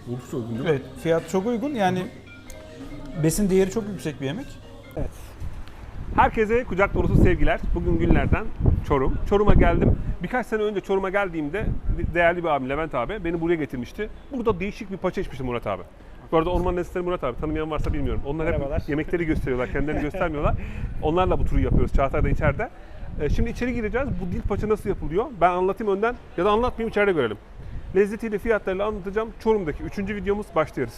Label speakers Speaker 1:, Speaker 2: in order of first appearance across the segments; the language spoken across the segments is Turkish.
Speaker 1: Oldukça uygun değil mi?
Speaker 2: Evet, fiyat çok uygun. Yani besin değeri çok yüksek bir yemek.
Speaker 1: Herkese kucak dolusu sevgiler. Bugün günlerden Çorum. Çorum'a geldim. Birkaç sene önce Çorum'a geldiğimde değerli bir abim Levent abi beni buraya getirmişti. Burada değişik bir paça içmişti Murat abi. Bu arada Orman Lezzetleri Murat abi. Tanımayan varsa bilmiyorum. Onlar
Speaker 2: Merhabalar.
Speaker 1: hep yemekleri gösteriyorlar. Kendilerini göstermiyorlar. Onlarla bu turu yapıyoruz. Çağatay da içeride. Şimdi içeri gireceğiz. Bu dil paça nasıl yapılıyor? Ben anlatayım önden ya da anlatmayayım, içeride görelim. Lezzetiyle, fiyatlarıyla anlatacağım. Çorum'daki 3. videomuz, başlıyoruz.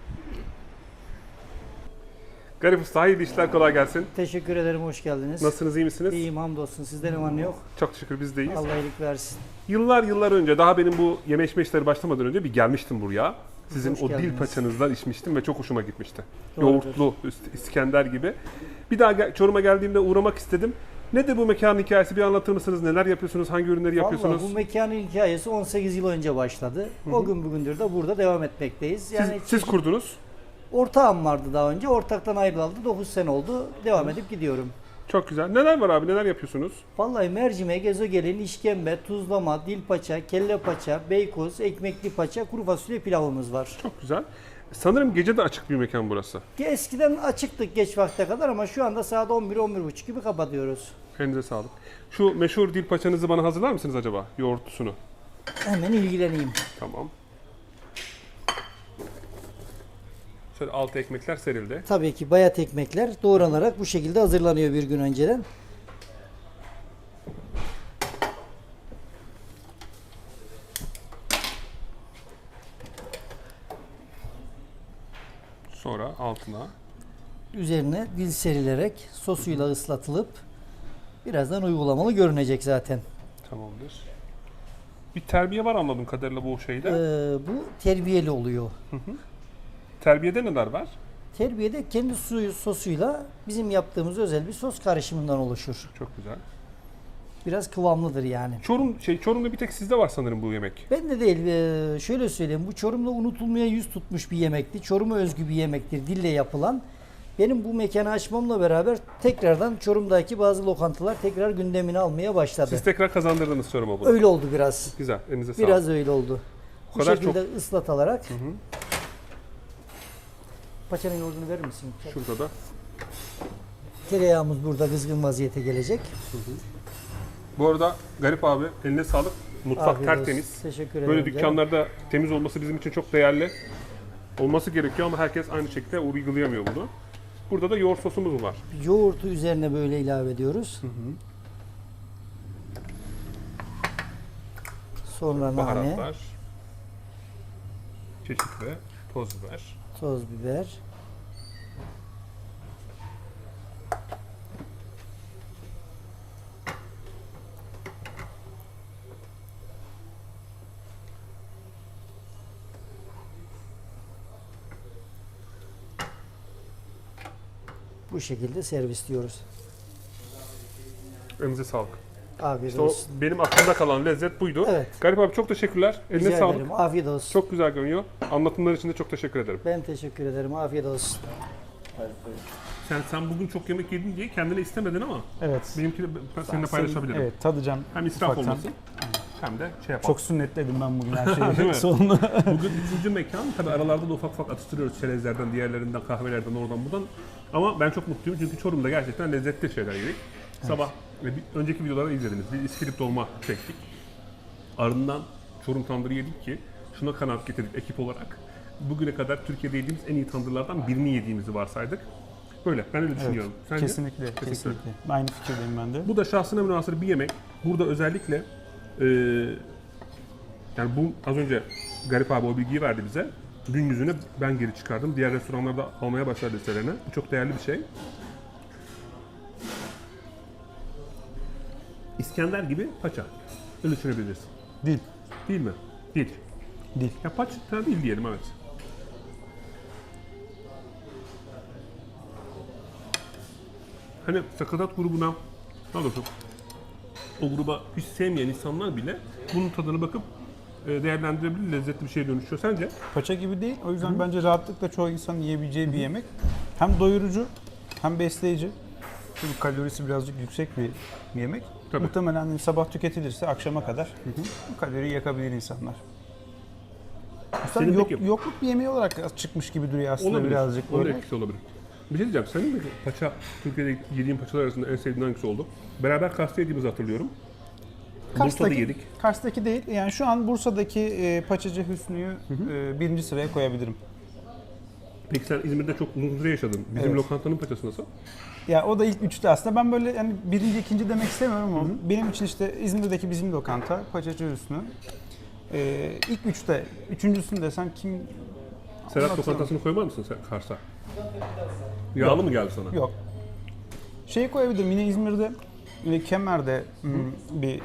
Speaker 1: Garip Usta, hayırlı işler, kolay gelsin.
Speaker 3: Teşekkür ederim, hoş geldiniz.
Speaker 1: Nasılsınız, iyi misiniz?
Speaker 3: İyiyim, hamdolsun. Sizden ne var ne yok?
Speaker 1: Çok şükür biz de iyiyiz.
Speaker 3: Allah iyilik versin.
Speaker 1: Yıllar önce, daha benim bu yeme içme işleri başlamadan önce bir gelmiştim buraya. Sizin
Speaker 3: Hoş
Speaker 1: o dil
Speaker 3: geldiniz.
Speaker 1: paçanızdan içmiştim ve çok hoşuma gitmişti.
Speaker 3: Doğrudur.
Speaker 1: Yoğurtlu, İskender gibi. Bir daha Çorum'a geldiğimde uğramak istedim. Nedir bu mekanın hikayesi? Bir anlatır mısınız? Neler yapıyorsunuz? Hangi ürünleri yapıyorsunuz?
Speaker 3: Vallahi bu mekanın hikayesi 18 yıl önce başladı. O gün bugündür de burada devam etmekteyiz. Yani
Speaker 1: Siz kurdunuz.
Speaker 3: ortağım vardı daha önce. Ortaktan ayrıldı. 9 sene oldu. Devam edip gidiyorum.
Speaker 1: Çok güzel. Neler var abi? Neler yapıyorsunuz?
Speaker 3: Vallahi mercimek, ezogelin, işkembe, tuzlama, dil paça, kelle paça, beykoz, ekmekli paça, kuru fasulye pilavımız var.
Speaker 1: Çok güzel. Sanırım gece de açık bir mekan burası.
Speaker 3: Eskiden açıktık geç vakte kadar ama şu anda saat 11-11.30 gibi kapatıyoruz.
Speaker 1: Elinize sağlık. Şu meşhur dil paçanızı bana hazırlar mısınız acaba? Yoğurtlusunu.
Speaker 3: Hemen ilgileneyim.
Speaker 1: Tamam. Şöyle altı ekmekler serildi.
Speaker 3: Tabii ki bayat ekmekler doğranarak bu şekilde hazırlanıyor bir gün önceden.
Speaker 1: Sonra altına.
Speaker 3: Üzerine dil serilerek sosuyla ıslatılıp birazdan uygulamalı görünecek zaten.
Speaker 1: Tamamdır. Bir terbiye var anladığım kadarıyla bu şeyde.
Speaker 3: Bu terbiyeli oluyor.
Speaker 1: Terbiyede neler var?
Speaker 3: Terbiyede kendi sosuyla bizim yaptığımız özel bir sos karışımından oluşur.
Speaker 1: Çok güzel.
Speaker 3: Biraz kıvamlıdır yani.
Speaker 1: Çorum'da bir tek sizde var sanırım bu yemek.
Speaker 3: Ben de değil, şöyle söyleyeyim, bu Çorum'da unutulmaya yüz tutmuş bir yemekti. Çorum'a özgü bir yemektir, dille yapılan. Benim bu mekanı açmamla beraber tekrardan Çorum'daki bazı lokantalar tekrar gündemini almaya başladı.
Speaker 1: Siz tekrar kazandırdınız Çorum'a bunu.
Speaker 3: Öyle oldu biraz.
Speaker 1: Güzel. Elinize sağlık.
Speaker 3: Biraz öyle oldu. Bu
Speaker 1: kadar
Speaker 3: şekilde ıslatılarak. Paçanın yoğurdunu verir misin?
Speaker 1: Şurada da.
Speaker 3: Tereyağımız burada kızgın vaziyete gelecek.
Speaker 1: Bu arada Garip abi eline sağlık. Mutfak
Speaker 3: Afiyet olsun.
Speaker 1: tertemiz.
Speaker 3: Teşekkür ederim.
Speaker 1: Böyle
Speaker 3: canım.
Speaker 1: dükkanlarda temiz olması bizim için çok değerli. Olması gerekiyor ama herkes aynı şekilde uygulayamıyor bunu. Burada da yoğurt sosumuz var.
Speaker 3: Yoğurtu üzerine böyle ilave ediyoruz. Sonra nane,
Speaker 1: Baharatlar. Kekik ve toz biber.
Speaker 3: toz biber. Bu şekilde servisliyoruz.
Speaker 1: Elinize sağlık.
Speaker 3: Afiyet
Speaker 1: İşte o
Speaker 3: olsun.
Speaker 1: benim aklımda kalan lezzet buydu.
Speaker 3: Evet.
Speaker 1: Garip abi çok teşekkürler. Eline
Speaker 3: Rica
Speaker 1: sağlık.
Speaker 3: ederim. Afiyet olsun.
Speaker 1: Çok güzel görünüyor. Anlatımlar için de çok teşekkür ederim.
Speaker 3: Ben teşekkür ederim. Afiyet olsun.
Speaker 1: Sen bugün çok yemek yedin diye kendine istemedin ama
Speaker 2: Evet.
Speaker 1: benimkini ben seninle paylaşabilirim.
Speaker 2: Evet, tadacağım.
Speaker 1: Hem israf
Speaker 2: ufaktan.
Speaker 1: olmasın hem de şey yapalım.
Speaker 2: Çok sünnetledim ben bugün her
Speaker 1: Değil
Speaker 2: şeyi.
Speaker 1: mi?
Speaker 2: Sonunda.
Speaker 1: Bugün ikinci mekan. Tabii aralarda da ufak ufak atıştırıyoruz çerezlerden, diğerlerinden, kahvelerden, oradan buradan. Ama ben çok mutluyum çünkü Çorum'da gerçekten lezzetli şeyler yedik. Sabah önceki videoları izlediniz. Bir iskilip dolma çektik. Ardından Çorum tandırı yedik ki şuna kanaat getirdik ekip olarak. Bugüne kadar Türkiye'de yediğimiz en iyi tandırlardan birini yediğimizi varsaydık. Böyle, ben öyle düşünüyorum. Sence?
Speaker 2: Kesinlikle. Aynı fikirdeyim ben de.
Speaker 1: Bu da şahsına münhasır bir yemek. Burada özellikle yani bu az önce Garip abi o bilgiyi verdi bize. Gün yüzüne ben geri çıkardım. Diğer restoranlarda almaya başladı listelerine. Bu çok değerli bir şey. İskender gibi paça. Öyle düşünebiliriz.
Speaker 2: Dil.
Speaker 1: Değil mi? Değil.
Speaker 2: Dil.
Speaker 1: Ya paça değil diyelim, evet. Hani sakatat grubuna, daha doğrusu o gruba hiç sevmeyen insanlar bile bunun tadına bakıp değerlendirebilir, lezzetli bir şeye dönüşüyor. Sence?
Speaker 2: Paça gibi değil. O yüzden bence rahatlıkla çoğu insanın yiyebileceği bir yemek. Hem doyurucu hem besleyici. Çünkü kalorisi birazcık yüksek bir yemek.
Speaker 1: Tabii.
Speaker 2: Muhtemelen sabah tüketilirse akşama kadar bu kaloriyi yakabilir insanlar.
Speaker 1: Senin
Speaker 2: Yok,
Speaker 1: peki-
Speaker 2: yokluk bir yemeği olarak çıkmış gibi duruyor aslında
Speaker 1: Olabilir.
Speaker 2: birazcık
Speaker 1: Onun
Speaker 2: böyle.
Speaker 1: etkisi olabilir. Bir şey diyeceğim. Senin peki paça, Türkiye'de yediğin paçalar arasında en sevdiğin hangisi oldu? Beraber Kars'ta yediğimizi hatırlıyorum. Bursa'da yedik.
Speaker 2: Kars'taki değil. Yani şu an Bursa'daki Paçacı Hüsnü'yü birinci sıraya koyabilirim.
Speaker 1: Peki sen İzmir'de çok uzun süre yaşadın. Bizim
Speaker 2: Evet.
Speaker 1: lokantanın paçası nasıl?
Speaker 2: Ya o da ilk üçte aslında. Ben böyle yani birinci, ikinci demek istemiyorum ama benim için işte İzmir'deki bizim lokanta, Paçacı Hüsnü. İlk üçte, üçüncüsünü desen kim?
Speaker 1: Serhat
Speaker 2: Anlatıyorum.
Speaker 1: lokantasını koymaz mısın sen Kars'a? Yağlı mı geldi sana?
Speaker 2: Yok. Şeyi koyabilirim. Yine İzmir'de Kemer'de bir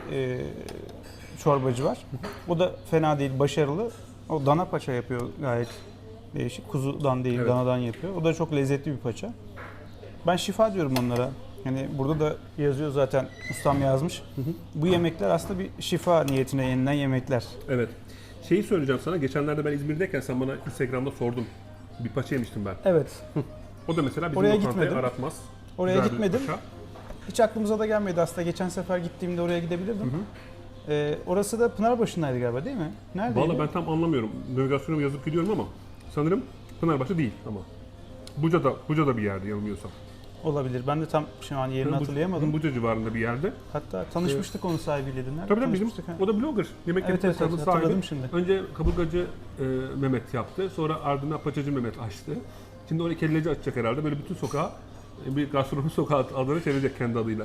Speaker 2: çorbacı var. O da fena değil, başarılı. O dana paça yapıyor gayet değişik. Kuzudan değil,
Speaker 1: Evet.
Speaker 2: danadan yapıyor. O da çok lezzetli bir paça. Ben şifa diyorum onlara. Yani burada da yazıyor zaten, ustam yazmış. Bu yemekler aslında bir şifa niyetine yenilen yemekler.
Speaker 1: Evet. Şeyi söyleyeceğim sana. Geçenlerde ben İzmir'deyken sen bana Instagram'da sordun. Bir paça yemiştim ben.
Speaker 2: Evet.
Speaker 1: O da mesela bizim
Speaker 2: Oraya
Speaker 1: lokantayı
Speaker 2: gitmedim.
Speaker 1: aratmaz.
Speaker 2: Oraya
Speaker 1: Güzel bir
Speaker 2: gitmedim.
Speaker 1: paça.
Speaker 2: Hiç aklımıza da gelmedi aslında. Geçen sefer gittiğimde oraya gidebilirdim. Orası da Pınarbaşı'ndaydı galiba değil mi? Neredeydi?
Speaker 1: Vallahi ben tam anlamıyorum. Navigasyonuma yazıp gidiyorum ama sanırım Pınarbaşı değil ama. Buca'da bir yerde yanılmıyorsam.
Speaker 2: Olabilir. Ben de tam şu an yerini hatırlayamadım.
Speaker 1: Buca civarında bir yerde.
Speaker 2: Hatta tanışmıştık onun sahibiyle. Nerede
Speaker 1: Tabii bizim,
Speaker 2: tanışmıştık?
Speaker 1: o da blogger. Yemek
Speaker 2: Evet,
Speaker 1: yapma
Speaker 2: evet,
Speaker 1: hesabının
Speaker 2: hatırladım
Speaker 1: sahibi.
Speaker 2: şimdi.
Speaker 1: Önce kaburgacı Mehmet yaptı. Sonra ardından paçacı Mehmet açtı. Şimdi oraya kelleci açacak herhalde. Böyle bütün sokağı bir gastronomi sokağı adını çevirecek kendi adıyla.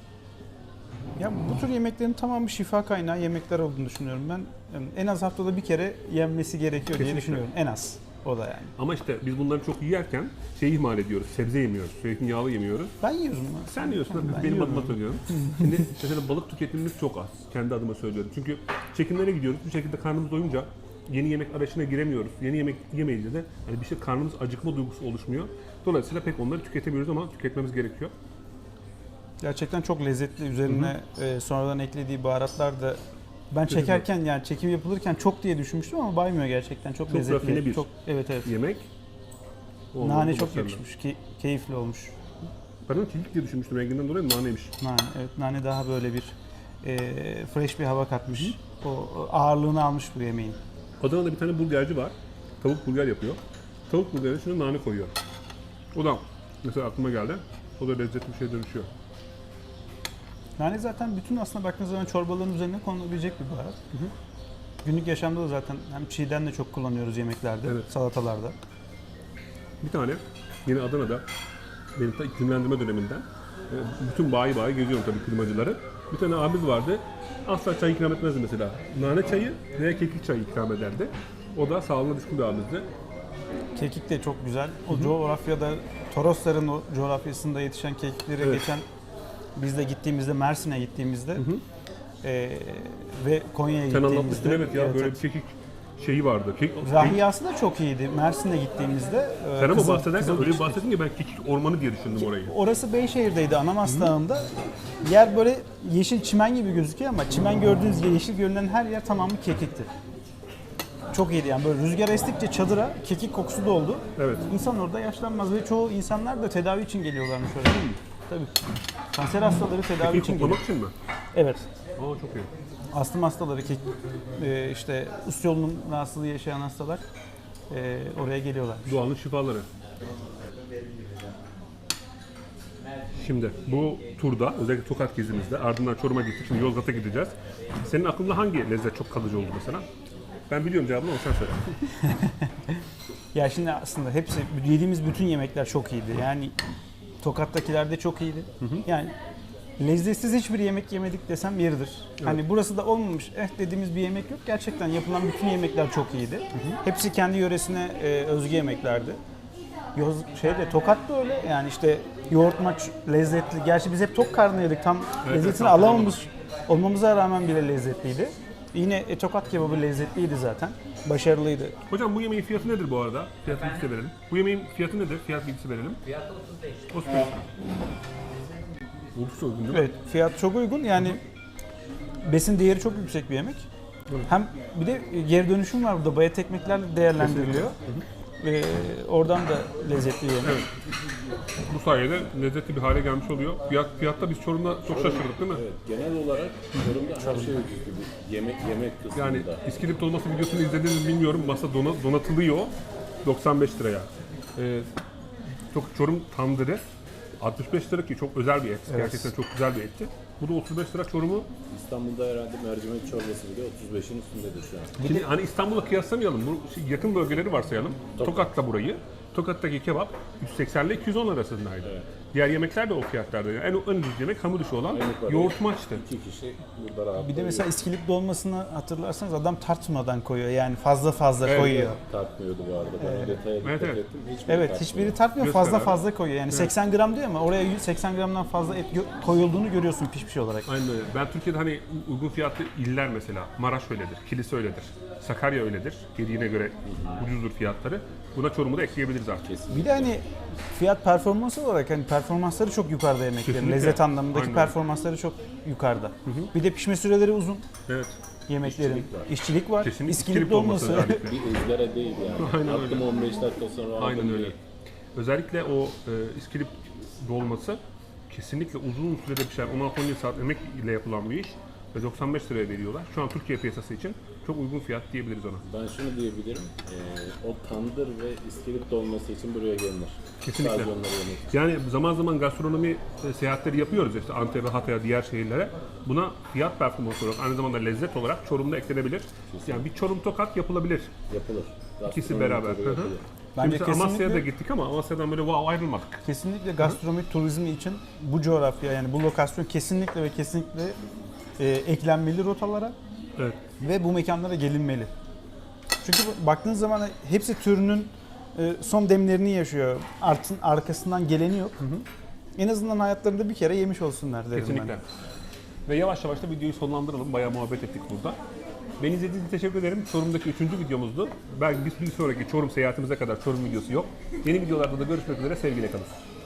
Speaker 2: Ya bu tür yemeklerin tamamı şifa kaynağı yemekler olduğunu düşünüyorum ben. Yani en az haftada bir kere yenmesi gerekiyor diye
Speaker 1: Kesinlikle.
Speaker 2: düşünüyorum. En az. O da yani.
Speaker 1: Ama işte biz bunları çok yerken şeyi ihmal ediyoruz. Sebze yemiyoruz. Zeytinyağlı yemiyoruz.
Speaker 2: Ben yiyorum.
Speaker 1: Sen diyorsun,
Speaker 2: Ben
Speaker 1: benim
Speaker 2: yiyorum.
Speaker 1: adıma söylüyorum. Şimdi mesela balık tüketimimiz çok az. Kendi adıma söylüyorum. Çünkü çekimlere gidiyoruz. Bir şekilde karnımız doyunca yeni yemek arayışına giremiyoruz. Yeni yemek yemeyince de yani bir şey karnımız acıkma duygusu oluşmuyor. Dolayısıyla pek onları tüketemiyoruz ama tüketmemiz gerekiyor.
Speaker 2: Gerçekten çok lezzetli. Üzerine sonradan eklediği baharatlar da ben çekerken yani çekim yapılırken çok diye düşünmüştüm ama baymıyor gerçekten. Çok lezzetli.
Speaker 1: rafine bir
Speaker 2: Çok, evet.
Speaker 1: Yemek. O
Speaker 2: Nane
Speaker 1: oldu
Speaker 2: çok
Speaker 1: başarılı.
Speaker 2: yakışmış. Keyifli olmuş.
Speaker 1: Ben onu kekik diye düşünmüştüm. Renginden dolayı naneymiş.
Speaker 2: Nane, evet, nane daha böyle bir fresh bir hava katmış. O ağırlığını almış bu yemeğin.
Speaker 1: Adana'da bir tane burgerci var. Tavuk burger yapıyor. Tavuk burgerine içine nane koyuyor. O da mesela aklıma geldi. O da lezzetli bir şeye dönüşüyor.
Speaker 2: Nane zaten bütün aslında baktığınız zaman çorbaların üzerine konulabilecek bir baharat. Günlük yaşamda da zaten hem çiğden de çok kullanıyoruz yemeklerde,
Speaker 1: Evet.
Speaker 2: salatalarda.
Speaker 1: Bir tane yine Adana'da benim ta iklimlendirme döneminden bütün bayi geziyorum tabii klimacıları. Bir tane abimiz vardı. Asla çay ikram etmezdi mesela. Nane çayı veya kekik çayı ikram ederdi. O da sağlığına düşkün bir abimizdi.
Speaker 2: Kekik de çok güzel. O coğrafyada, Torosların o coğrafyasında yetişen kekikleri
Speaker 1: Evet.
Speaker 2: geçen biz de gittiğimizde, Mersin'e gittiğimizde ve Konya'ya
Speaker 1: Sen
Speaker 2: gittiğimizde.
Speaker 1: anlatmıştın evet ya böyle bir kekik şeyi vardı.
Speaker 2: Rahiyası da çok iyiydi. Mersin'e gittiğimizde.
Speaker 1: Sen ama
Speaker 2: Kızıl-
Speaker 1: bahsederken
Speaker 2: Kızıl
Speaker 1: öyle bir
Speaker 2: Güç'teki-
Speaker 1: bahsettin ki ben kekik ormanı diye düşündüm orayı.
Speaker 2: Orası Beyşehir'deydi, Anamas Dağı'nda. Yer böyle yeşil çimen gibi gözüküyor ama çimen gördüğünüz gibi yeşil görünen her yer tamamı kekikti. Çok iyiydi yani böyle rüzgar estikçe çadıra kekik kokusu doldu.
Speaker 1: Evet.
Speaker 2: İnsan orada yaşlanmaz ve çoğu insanlar da tedavi için geliyorlarmış oraya. Tabii. Kanser hastaları tedavi
Speaker 1: Kekik
Speaker 2: için
Speaker 1: koklamak
Speaker 2: geliyor.
Speaker 1: için mi?
Speaker 2: Evet.
Speaker 1: Aa çok iyi.
Speaker 2: Astım hastaları, işte üst yolunun rahatsızlığı yaşayan hastalar oraya geliyorlar.
Speaker 1: Doğanın şifaları. Şimdi bu turda özellikle Tokat gezimizde ardından Çorum'a gittik. Şimdi Yozgat'a gideceğiz. Senin aklında hangi lezzet çok kalıcı oldu mesela? Ben biliyorum cevabını ama sen söyle.
Speaker 2: Ya şimdi aslında hepsi, yediğimiz bütün yemekler çok iyiydi. Yani Tokat'takiler de çok iyiydi. Yani lezzetsiz hiçbir yemek yemedik desem yeridir. Hani burası da olmamış dediğimiz bir yemek yok. Gerçekten yapılan bütün yemekler çok iyiydi. Hepsi kendi yöresine özgü yemeklerdi. Tokat da öyle. Yani işte yoğurt maç lezzetli. Gerçi biz hep tok karnı yedik. Tam lezzetini
Speaker 1: tam
Speaker 2: alamamış olmamıza rağmen bile lezzetliydi. Yine Tokat kebabı lezzetliydi zaten. Başarılıydı.
Speaker 1: Hocam bu yemeğin fiyatı nedir bu arada? Fiyat bilgisi verelim. Bu yemeğin fiyatı nedir? Fiyat bilgisi verelim.
Speaker 4: Fiyatı 35.
Speaker 1: 35. Oldukça uygun değil mi?
Speaker 2: Evet, fiyat çok uygun. Yani besin değeri çok yüksek bir yemek. Hem bir de geri dönüşüm var burada. Bayat ekmeklerle değerlendiriliyor. Oradan da lezzetli bir yemek.
Speaker 1: Evet. Bu sayede lezzetli bir hale gelmiş oluyor. Fiyatta biz Çorum'da çok şaşırdık değil mi?
Speaker 4: Evet, genel olarak Çorum'da her şey ucuz gibi. Yemek kısmında.
Speaker 1: Yani İskilip dolması videosunu izlediniz mi bilmiyorum. Masa donatılıyor 95 liraya. Çok Çorum tandırı 65 lira ki çok özel bir et. Gerçekten çok güzel bir etti. Bu da 35 lira Çorum'u.
Speaker 4: İstanbul'da herhalde mercimek çorbası bile 35'in üstündedir şu an.
Speaker 1: Şimdi hani İstanbul'la kıyaslamayalım. Bu yakın bölgeleri varsayalım. Tokat'ta burayı. Tokat'taki kebap 180 ile 210 arasındaydı.
Speaker 4: Evet.
Speaker 1: Diğer yemekler de o fiyatlarda. Yani en ucuz yemek hamur işi olan
Speaker 4: Aynı para.
Speaker 1: yoğurt maçtı.
Speaker 4: 2 kişi burada rahat
Speaker 2: Bir de mesela İskilip dolmasını hatırlarsanız adam tartmadan koyuyor. Yani fazla
Speaker 1: Evet,
Speaker 2: koyuyor.
Speaker 4: tartmıyordu bu arada. Ben o detaya dikkat
Speaker 1: Evet, evet.
Speaker 4: ettim.
Speaker 2: Evet, hiçbiri tartmıyor.
Speaker 1: Göster abi.
Speaker 2: Fazla koyuyor. Yani 80 gram diyor ama oraya 80 gramdan fazla et koyulduğunu görüyorsun pişmiş olarak.
Speaker 1: Aynen öyle. Ben Türkiye'de hani uygun fiyatlı iller mesela Maraş öyledir, Kilis öyledir, Sakarya öyledir. Yediğine göre ucuzdur fiyatları. Buna Çorum'u da ekleyebiliriz artık.
Speaker 2: Bir de hani fiyat performans olarak hani performansları çok yukarıda yemeklerin.
Speaker 1: Kesinlikle.
Speaker 2: Lezzet anlamındaki
Speaker 1: Aynen.
Speaker 2: performansları çok yukarıda. Bir de pişme süreleri uzun
Speaker 1: Evet.
Speaker 2: yemeklerin. İşçilik var.
Speaker 1: Kesinlikle
Speaker 2: İskilip dolması.
Speaker 1: özellikle.
Speaker 4: Bir ızgara değil yani.
Speaker 1: Aynen öyle.
Speaker 4: Attım 15 dakika sonra
Speaker 1: Aynen
Speaker 4: aldım
Speaker 1: öyle.
Speaker 4: değil.
Speaker 1: Özellikle o İskilip dolması kesinlikle uzun sürede pişen 16-17 saat emek ile yapılan bir iş ve 95 liraya veriyorlar. Şu an Türkiye piyasası için çok uygun fiyat diyebiliriz ona.
Speaker 4: Ben şunu diyebilirim. O tandır ve iskelet dolması için buraya gelinir.
Speaker 1: Kesinlikle.
Speaker 4: Sadece onları yemek için.
Speaker 1: Yani zaman zaman gastronomi seyahatleri yapıyoruz işte Antep'e, Hatay'a, diğer şehirlere. Buna fiyat performansı olarak aynı zamanda lezzet olarak Çorum'da eklenebilir. Yani bir Çorum Tokat yapılabilir.
Speaker 4: Yapılır.
Speaker 1: İkisi
Speaker 4: Gastronomi
Speaker 1: beraber.
Speaker 4: turu
Speaker 1: Hı hı.
Speaker 4: yapılır.
Speaker 2: Bence
Speaker 1: Şimdi Amasya'ya da
Speaker 2: kesinlikle,
Speaker 1: gittik ama Amasya'dan böyle wow ayrılmadık.
Speaker 2: kesinlikle gastronomi turizmi için bu coğrafya yani bu lokasyon kesinlikle ve kesinlikle eklenmeli rotalara
Speaker 1: Evet.
Speaker 2: ve bu mekanlara gelinmeli. Çünkü baktığınız zaman hepsi türünün son demlerini yaşıyor. Arkasından geleni yok. En azından hayatlarında bir kere yemiş olsunlar derim
Speaker 1: Kesinlikle. Ve yavaş yavaş da videoyu sonlandıralım. Bayağı muhabbet ettik burada. Beni izlediğiniz için teşekkür ederim. Çorum'daki 3. videomuzdu. Belki bir sonraki Çorum seyahatimize kadar Çorum videosu yok. Yeni videolarda da görüşmek üzere. Sevgiyle kalın.